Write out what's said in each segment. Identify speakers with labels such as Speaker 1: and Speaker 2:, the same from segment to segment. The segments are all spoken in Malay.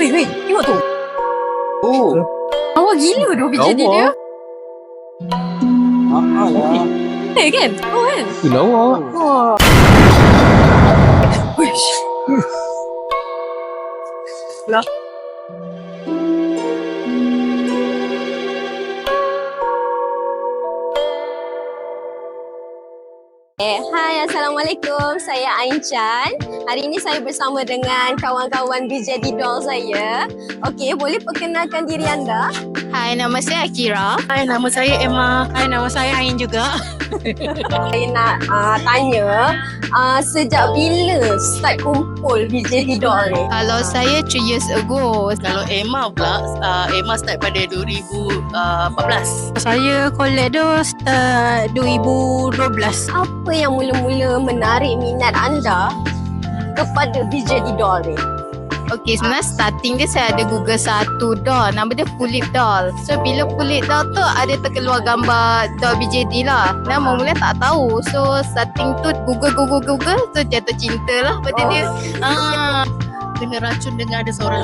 Speaker 1: Weh, tengok tu.
Speaker 2: Oh,
Speaker 1: Lawa gila tu BJD
Speaker 2: lawa.
Speaker 1: dia.
Speaker 2: Mahal lah.
Speaker 1: Kan? Oh kan?
Speaker 2: Lawa.
Speaker 1: Wah. Wish. Lah. Hai, Assalamualaikum. Saya Ain Chan. Hari ini saya bersama dengan kawan-kawan BJD Doll saya. Okey, boleh perkenalkan diri anda?
Speaker 3: Hai, nama saya Akira.
Speaker 4: Hai, nama saya Emma. Hai, nama saya Ain juga.
Speaker 1: Saya nak tanya, sejak bila start kumpul BJD Doll ni?
Speaker 3: Kalau saya 3 years ago.
Speaker 4: Kalau Emma pula, Emma start pada 2014.
Speaker 5: Saya collect tu start 2012.
Speaker 1: Apa yang mula-mula menarik minat anda kepada BJD Doll ni?
Speaker 3: Okay, sebenarnya starting dia saya ada Google satu doll. Nama dia Fulip Doll. So, bila Fulip Doll tu ada terkeluar gambar doll BJD lah. Dan mula tak tahu. So, starting tu Google. So, jatuh cinta lah pada dia.
Speaker 4: Kena racun dengan ada seorang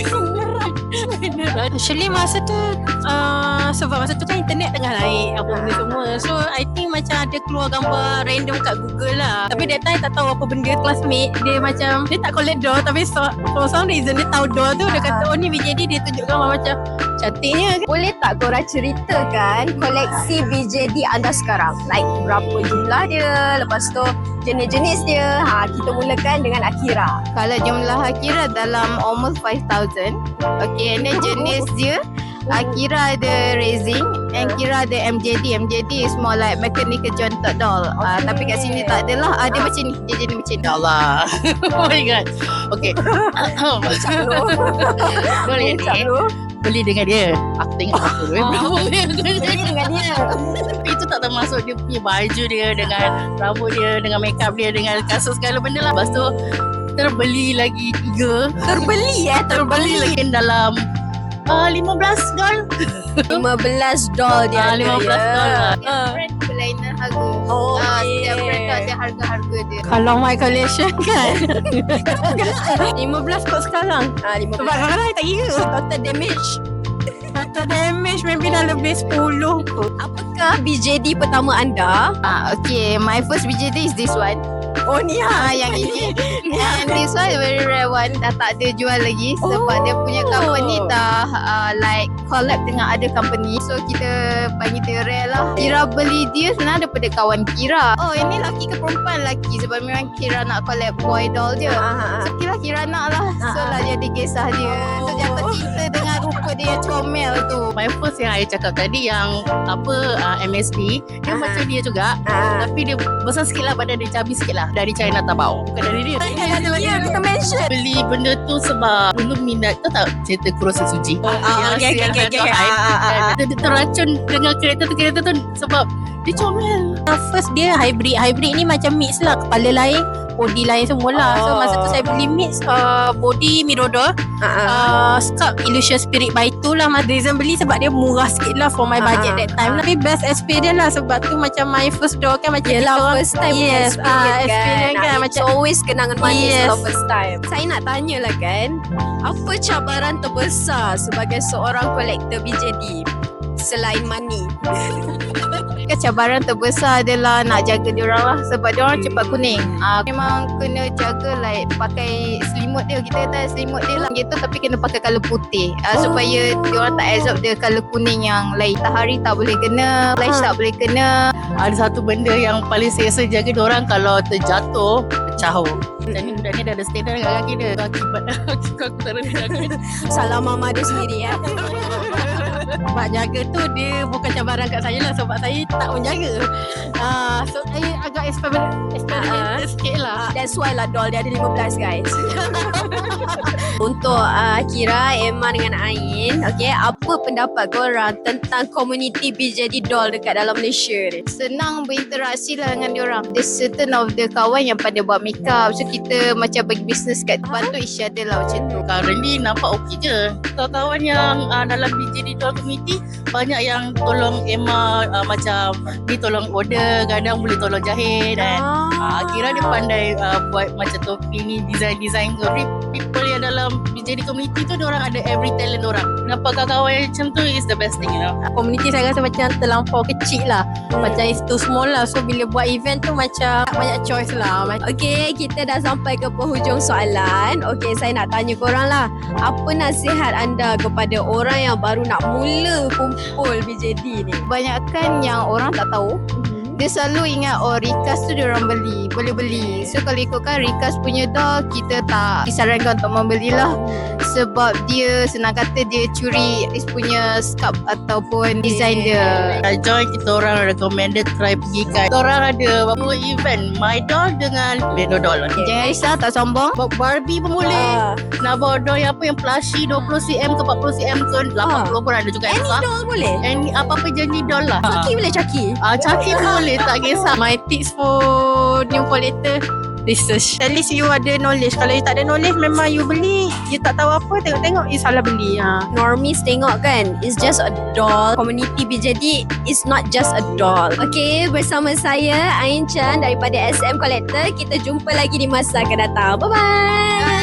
Speaker 5: Actually masa tu sebab masa tu kan internet tengah naik apa benda semua. So I think macam ada keluar gambar random kat Google lah. Tapi that time tak tahu apa benda. Classmate dia macam dia tak collect doll, tapi for some reason dia tahu doll tu. Dia kata oh ni BJD, dia tunjuk gambar macam cantiknya.
Speaker 1: Boleh tak korang ceritakan koleksi BJD anda sekarang? Like berapa jumlah dia, lepas tu jenis-jenis dia. Kita mulakan dengan Akira.
Speaker 3: Kalau jumlah Akira dalam almost 5,000. Okay, and then jenis dia Akira ada racing, and Kira ada MJD. MJD is more like mechanical jointed doll. Tapi kat sini tak adalah. Ada macam ni, dia jenis macam ni.
Speaker 4: Ya Allah. Oh my god. Okay. Boleh ni. Beli dengan dia. Aku tengok aku.
Speaker 1: Beli dengan dia.
Speaker 4: Tapi itu tak termasuk dia punya baju dia, dengan rambut dia, dengan makeup dia, dengan kasut segala benda lah. Lepas tu terbeli lagi 3. Terbeli lagi dalam 15 doll.
Speaker 1: 15 doll dia ada
Speaker 4: 15 doll lah.
Speaker 3: Brand berlainan harga.
Speaker 1: Oh,
Speaker 3: Setiap brand tu ada harga-harga dia.
Speaker 5: Kalau my collection kan 15 kot sekarang.
Speaker 1: 15.
Speaker 5: Sebab sekarang I tak kira.
Speaker 1: Total damage.
Speaker 5: Total damage maybe dah lebih 10 kot.
Speaker 1: Apakah BJD pertama anda?
Speaker 3: Okay, my first BJD is this one.
Speaker 1: Oh ni
Speaker 3: Yang ini. And this one very rare one. Dah tak ada jual lagi. Sebab dia punya company dah like collab dengan other company. So kita panggil dia rare lah. Kira beli dia sebenarnya daripada kawan Kira. Oh, ini laki ke perempuan? Laki. Sebab memang Kira nak collab boy doll je. So Kira nak lah. So lah jadi kisah dia. So jatuh cinta dengan rupa dia yang comel tu.
Speaker 4: My first yang I cakap tadi, yang MSP, dia macam dia juga. Tapi dia besar sikit lah, badan dia cabi sikit lah. Dari China Tabao. Bukan dari dia.
Speaker 1: Ya, kita mention.
Speaker 4: Beli benda tu sebab dulu minat. Tahu tak cerita Kurosa Suji?
Speaker 1: Okay.
Speaker 4: Dia terracun dengan kereta tu sebab dia comel.
Speaker 5: First dia hybrid. Hybrid ni macam mix lah. Kepala lain, body lain semualah. So masa tu saya beli mix body Mirodor, scalp Illusion Spirit by 2 lah. Reason beli sebab dia murah sikit lah for my budget that time. Tapi best experience lah. Sebab tu macam my first doll kan macam
Speaker 1: Yelah, first time
Speaker 5: yes, experience kan
Speaker 1: macam always kenangan manis kalau first time. Saya nak tanya lah kan, apa cabaran terbesar sebagai seorang kolektor BJD selain money?
Speaker 3: Cabaran terbesar adalah nak jaga diorang lah. Sebab diorang cepat kuning. Memang kena jaga like pakai selimut dia. Kita kata selimut dia lah gitu, tapi kena pakai colour putih supaya diorang tak absorb dia colour kuning yang lain. Matahari tak boleh kena, flash tak boleh kena.
Speaker 4: Ada satu benda yang paling selesa jaga diorang, kalau terjatuh, pecah. Dan ni budak ni dah ada standard dekat kaki dia. Akibat aku taruh dia kaki dia.
Speaker 1: Salah mama dia sendiri ya.
Speaker 5: Sebab jaga tu dia bukan cabaran kat saya lah. Sebab saya tak menjaga. So saya agak eksperimen sikit lah.
Speaker 1: That's why lah doll dia ada 15 guys. Untuk Kira, Emma dengan Ain, okay, apa pendapat korang tentang komuniti BJD doll dekat dalam Malaysia ni?
Speaker 3: Senang berinteraksi lah dengan diorang. There's certain of the kawan yang pada buat makeup. So kita macam bagi business kat bantu each other lah macam tu.
Speaker 4: Currently nampak okey je. Kawan-kawan yang dalam BJD Doll Community, banyak yang tolong Emma, macam ni tolong order, kadang boleh tolong jahit jahit dan kira dia pandai buat macam topi ni, design-design tu. People yang dalam jadi community tu, diorang ada every talent orang. Nampak kawan-kawan yang macam tu is the best thing, you know.
Speaker 5: Community saya rasa macam terlampau kecil lah. Macam it's too small lah. So bila buat event tu macam banyak choice lah.
Speaker 1: Okey, kita dah sampai ke penghujung soalan. Okey, saya nak tanya korang lah. Apa nasihat anda kepada orang yang baru nak mula kumpul BJD ni?
Speaker 3: Kebanyakan yang orang tak tahu, dia selalu ingat Rikas tu diorang boleh beli. So kalau ikutkan Rikas punya doll, kita tak disarankan untuk membelilah. Sebab dia senang kata dia curi artis punya sculpt ataupun design dia.
Speaker 4: Join kita orang recommended try pergi kan. Kita orang ada beberapa event My Doll dengan Lego Doll.
Speaker 3: Jangan risau, tak sombong.
Speaker 4: Barbie pun boleh. Nak bawa doll yang apa yang plushie 20cm ke 40cm ke 80 pun ada juga.
Speaker 1: Any doll boleh?
Speaker 4: Any apa-apa jenis doll lah.
Speaker 1: Chucky boleh Chucky?
Speaker 4: Chucky pun boleh, tak kisah.
Speaker 5: My tips for new collector, research. At least you ada knowledge. Kalau you tak ada knowledge, memang you beli, you tak tahu apa, tengok-tengok you salah beli.
Speaker 1: Normies tengok kan, it's just a doll. Community BJD is not just a doll. Okay, bersama saya Ain Chan daripada SM Collector. Kita jumpa lagi di masa akan datang. Bye-bye.